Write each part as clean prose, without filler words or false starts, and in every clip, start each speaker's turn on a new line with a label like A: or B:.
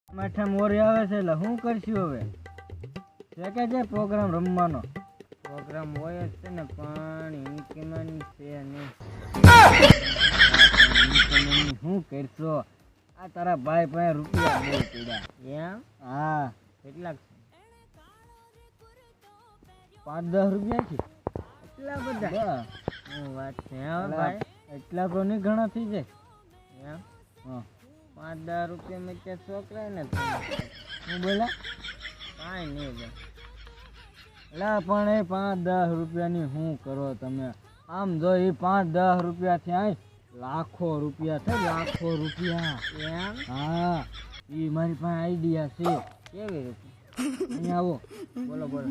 A: માઠા મોરી આવે છે એટલે શું કરશું હવે? છે કે જે પ્રોગ્રામ રમવાનો પ્રોગ્રામ હોય જ છે ને, પણ ઇન્કમન છે નહીં. શું કરશો? આ તારા ભાઈ પાસે રૂપિયા બહુ પીડા. એમ? હા. કેટલાક છે? 5-10 રૂપિયા છે. એટલા બધા? શું વાત છે ભાઈ? એટલા તો નહીં ઘણા થઈ જાય. એમ? હા. 5-10 રૂપિયા મેં ત્યાં છોકરા ને હું બોલા કાંઈ નહીં ભાઈ. લા પણ એ 5-10 રૂપિયાની શું કરો તમે? આમ જો એ 5-10 રૂપિયાથી આય લાખો રૂપિયા છે, લાખો રૂપિયા. એમ? હા, એ મારી પાસે આઈડિયા છે. કેવી રીતે? અહીંયા આવો, બોલો બોલો.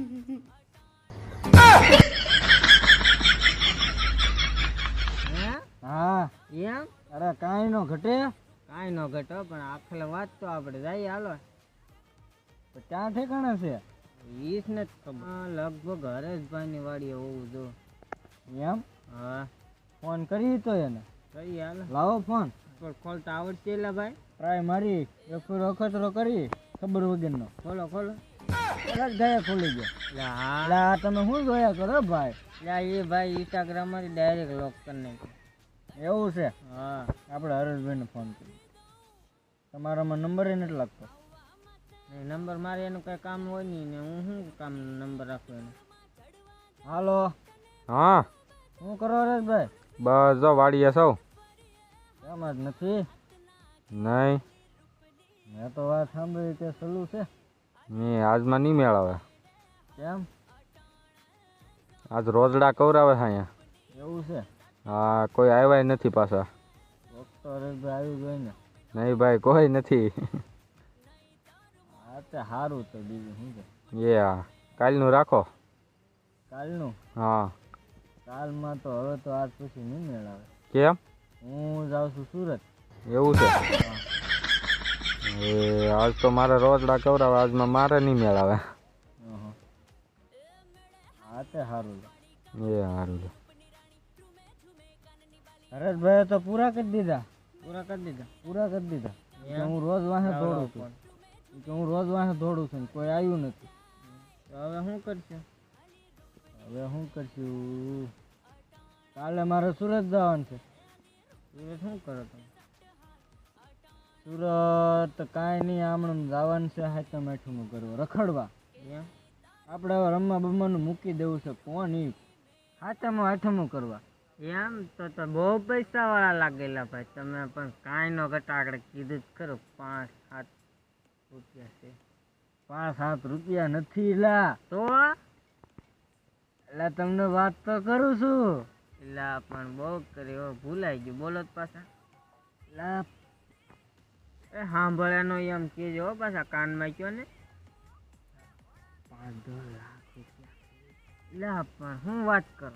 A: હા એમ? અરે કાંઈ નો ઘટે. કાંઈ નો ઘટો, પણ આખલે વાત તો આપણે જઈએ. હાલો. તો ક્યાં ઠેકાણે છે? ઈસ ને જ ખબર. લગભગ હરેશભાઈની વાડીએ હોવું જો. એમ? હા. ફોન કરી તો એને કરી. હાલો લાવો ફોન. પણ ખોલતા આવડશે એલા ભાઈ? ટ્રાય મારી એક વખતરો કરી ખબર વગરનો. ખોલો ખોલો. ગયા ખોલી ગયા. હા તમે શું જોયા કરો ભાઈ? એ ભાઈ ઇન્સ્ટાગ્રામ માંથી ડાયરેક્ટ લોક કરી નાખ્યું. એવું છે? હા. આપણે હરેશભાઈને ફોન કર્યો. તમારામાં નંબર નથી લાગતો. નંબર મારે એનું કઈ કામ હોય નહીં ને હું શું કામ નંબર રાખું એનો? હાલો.
B: હા.
A: શું કરો હરેશભાઈ?
B: બસ જો વાડીએ સૌ.
A: એમ જ નથી?
B: નહીં.
A: મેં તો વાત સાંભળી કે સલું છે.
B: મેં આજમાં નહીં મેળવે.
A: કેમ?
B: આજ રોજડા કવરાવે છે અહીંયા.
A: એવું છે?
B: હા, કોઈ આવ્યા નથી પાછા.
A: ડોક્ટર હરેશભાઈ આવી ગઈ ને?
B: નહીં ભાઈ, કોઈ નથી.
A: હા તે સારું. તો બીજું શું છે?
B: એ હા, કાલનું રાખો.
A: કાલનું?
B: હા.
A: કાલમાં તો હવે તો આજ પછી નહીં મેળવે.
B: કેમ?
A: હું જાઉં છું સુરત.
B: એવું છે? એ આજ તો મારે રોજડા કવરાવે, આજમાં મારે નહીં મેળવે.
A: હા તે સારું.
B: એ સારું.
A: હરેશભાઈ તો પૂરા કરી દીધા. પૂરા કરી દીધા. હું રોજ વાહે દોડું છું. હું રોજ વાહે દોડું છું, કોઈ આવ્યું નથી. હવે શું કરશું? કાલે મારે સુરત જવાનું છે. સુરત શું કરો તમે? સુરત કાંઈ નહીં, આમણું જવાનું છે. હાથમ આઠમું કરવા રખડવા. એમ? આપણે હવે રમવા બમવાનું મૂકી દેવું છે. કોણ ઈ હાથમ આઠમું કરવા? એમ? તો બહુ પૈસા વાળા લાગેલા ભાઈ તમે. પણ કાંઈ નો ઘટાડે કીધું જ ખરો. 5-7 રૂપિયા છે. 5-7 રૂપિયા નથી લા. તો એટલે તમને વાત તો કરું છું. લા પણ બહુ કરી, ભૂલાઈ ગયું. બોલો જ પાછા. લા એ સાંભળ્યાનો એમ કેજો પાછા કાનમાં કયો ને. 5-10 લાખ રૂપિયા. લા પણ હું વાત કરો?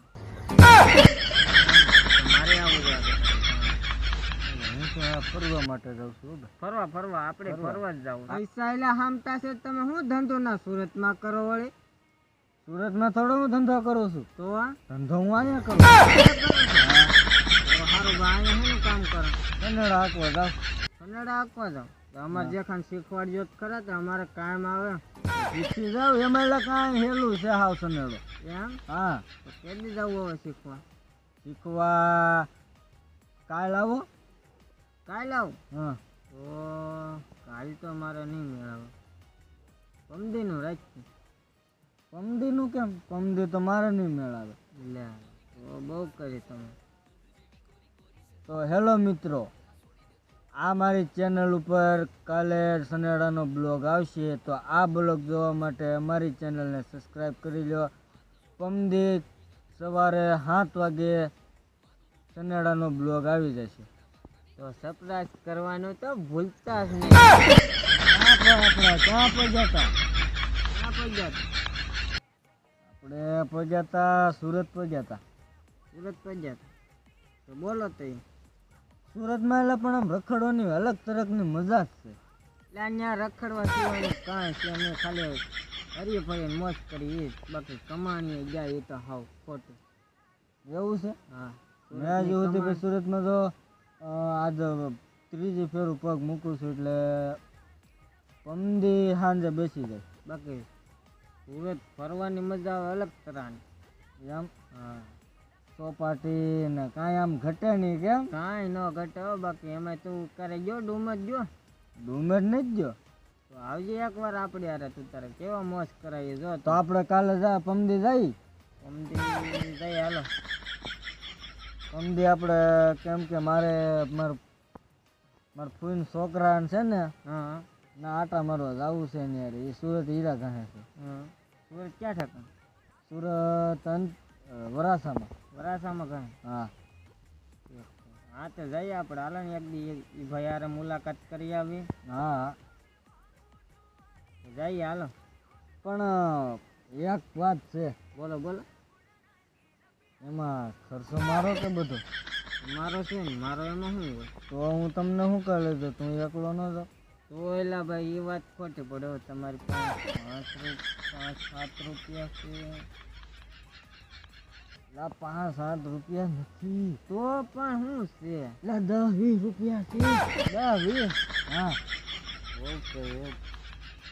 A: મારે આવું લાગે. હું તો ફરવા માટે જાઉં છું. ફરવા આપણે ફરવા જ જાવ. પૈસા એલા હામતા છે. તમે શું ધંધો ના સુરતમાં કરો વળી? સુરતમાં થોડો હું ધંધો કરું છું. તો ધંધો હું અહીંયા કરું. સારું ભાઈ, અહીંયા શું કામ કરો? કન્નડા હાંકવા જાવ. અમારે જે ખાન શીખવાડજો ખરા તો અમારે કાયમ આવે. શીખી જાવ એમાં એટલે કાંઈ હેલું છે હાવ સનેડો. એમ? હા. તો કેદી જવું હવે શીખવા? કાલ આવો. કાલ આવું? હા. તો કાલ તો મારે નહીં મેળવે. પમદીનું રાખી. પમદીનું કેમ? પમદી તો મારે નહીં મેળવે. લે તો બહુ કરી તમે. તો હેલો મિત્રો, આ મારી ચેનલ ઉપર કાલે સનેડાનો બ્લોગ આવશે. તો આ બ્લોગ જોવા માટે અમારી ચેનલને સબસ્ક્રાઈબ કરી લો. પમદી સવારે 7 વાગે સનેડાનો બ્લોગ આવી જશે. તો સબસ્ક્રાઈબ કરવાનું તો ભૂલતા જ નહીં. ક્યાં પહોંચ્યા? આપણે પહોંચ્યા સુરત પહોંચ્યા. તો બોલો તો સુરતમાં એટલે પણ આમ રખડવાની અલગ તરફની મજા જ છે. એટલે અહીંયા રખડવા સિવાયનું કાંઈ છે નહીં. ખાલી હરીએ ફરીને મોજ કરી. બાકી કમાણીએ જાય એ તો હાવ ખોટું. એવું છે? હા. મેં હજુ સુધી સુરતમાં તો આજ ત્રીજી ફેરું પગ મૂકું છું. એટલે પમદી સાંજે બેસી જાય. બાકી સુરત ફરવાની મજા આવે અલગ તરાની. એમ હા, ચોપાટી ને કાંઈ આમ ઘટે નહીં કેમ? કાંઈ ન ઘટે હો. બાકી એમાં તું કરે ગયો ડુમર ગયો? ડુમર નથી ગયો તો આવજે એકવાર આપણે યાર. તું તારે કેવા મોજ કરાવીએ જો. તો આપણે કાલે જા પમદી જઈ. પમદી જઈ હાલો. પમદી આપણે કેમ કે મારા ફૂઈન છોકરા છે ને, હા ના આટા મારવા જવું છે ને યાર. એ સુરત હીરા ગણે છે. હા સુરત ક્યાં ઠેકાણ? સુરત વરાસામાં. વરાસામાં ગણે? હા હા તો જઈએ આપણે. હાલો ને એક દી એ ભાઈ યાર મુલાકાત કરી આવી. હા જઈએ હાલો. પણ એક વાત છે. બોલો બોલો. એમાં ખર્ચો મારો કે બધો? મારો છે ને. મારો એમાં શું હોય? તો હું તમને શું કરી લેતો? તું એકલો ન જાઉં તો? એલા ભાઈ એ વાત ખોટી પડે. તમારી પાસે 5-7 રૂપિયા છે. લા 5-7 રૂપિયા નથી. તો પણ શું છે? લા 10-20 રૂપિયા છે. 10-20? હા ઓકે ઓકે.